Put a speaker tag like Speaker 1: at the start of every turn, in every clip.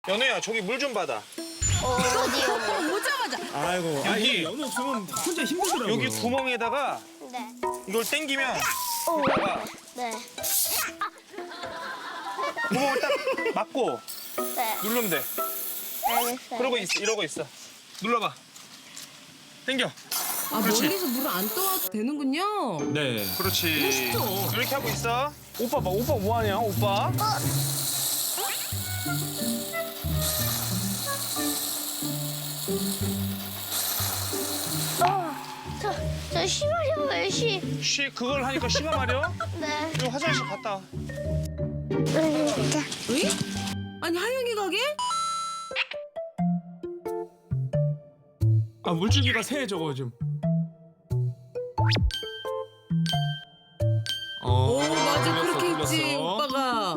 Speaker 1: 연우야, 저기 물 좀 받아.
Speaker 2: 어디요?
Speaker 3: 오자마자.
Speaker 4: 아이고.
Speaker 1: 여기.
Speaker 4: 연우 없으면 혼자 힘들더라고요.
Speaker 1: 여기 구멍에다가
Speaker 2: 네.
Speaker 1: 이걸 당기면
Speaker 2: 오.
Speaker 1: 여기다가
Speaker 2: 네.
Speaker 1: 구멍을 딱 막고
Speaker 2: 네.
Speaker 1: 누르면 돼.
Speaker 2: 알겠어요.
Speaker 1: 그러고 있어, 이러고 있어. 눌러봐. 당겨.
Speaker 3: 아,
Speaker 1: 그렇지.
Speaker 3: 멀리서 물을 안 떠와도 되는군요.
Speaker 4: 네.
Speaker 1: 그렇지.
Speaker 4: 멋있어.
Speaker 1: 이렇게 하고 있어. 오빠 봐, 오빠 뭐하냐, 오빠?
Speaker 2: 저 심하려고요, 시.
Speaker 1: 쉬, 그걸 하니까 쉬가 마려?
Speaker 2: 네.
Speaker 1: 이거 화장실 갔다 와.
Speaker 2: 진짜.
Speaker 3: 응? 아니, 하영이 가게?
Speaker 4: 아 물줄기가 새 저거 좀.
Speaker 3: 오, 맞아.
Speaker 4: 뚫렸어,
Speaker 3: 그렇게 했지,
Speaker 4: 뚫렸어.
Speaker 3: 오빠가.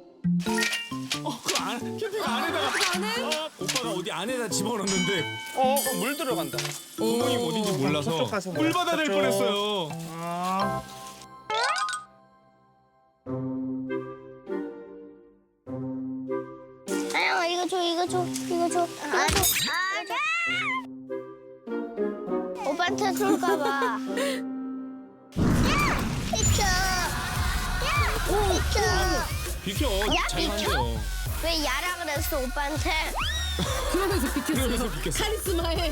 Speaker 4: 그 캠핑 안에다가.
Speaker 3: 안에?
Speaker 4: 오빠가 어디 안에다 집어넣는데
Speaker 1: 그럼 물 들어간다.
Speaker 4: 구멍이 어딘지 몰라서
Speaker 1: 저쪽 가서
Speaker 4: 물 받아 낼
Speaker 1: 저쪽.
Speaker 4: 뻔했어요.
Speaker 1: 아.
Speaker 2: 하영아, 이거 줘, 이거 줘, 이거 줘. 아, 줘. 오빠한테 줄까봐. 비켜. 비켜.
Speaker 4: 비켜.
Speaker 2: 야,
Speaker 4: 잘
Speaker 2: 비켜?
Speaker 4: 만져.
Speaker 2: 왜 야라 그랬어, 오빠한테?
Speaker 3: 그러면서 비켰어요.
Speaker 4: 그러면서 비켰어.
Speaker 3: 카리스마에.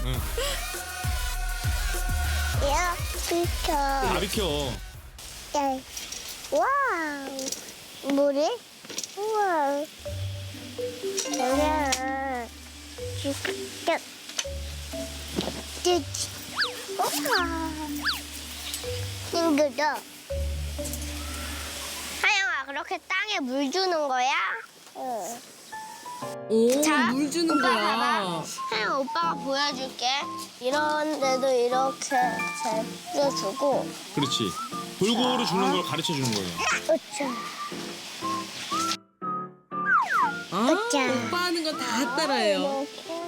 Speaker 2: 야, 비켜.
Speaker 4: 다 비켜.
Speaker 2: 야. 와우. 뭐래? 우와. 그래. 비켜. 우와. 싱그러. 하영아, 그렇게 땅에 물 주는 거야? 응.
Speaker 3: 오,
Speaker 2: 자,
Speaker 3: 물 주는
Speaker 2: 오빠
Speaker 3: 거야.
Speaker 2: 봐봐. 하영 오빠가 보여줄게. 이런 데도 이렇게 잘 뿌려주고.
Speaker 4: 그렇지. 골고루 주는 걸 가르쳐 주는 거예요.
Speaker 2: 으쌰.
Speaker 3: 아,
Speaker 2: 으쌰.
Speaker 3: 오빠 하는 건 다 따라해요.
Speaker 2: 이렇게.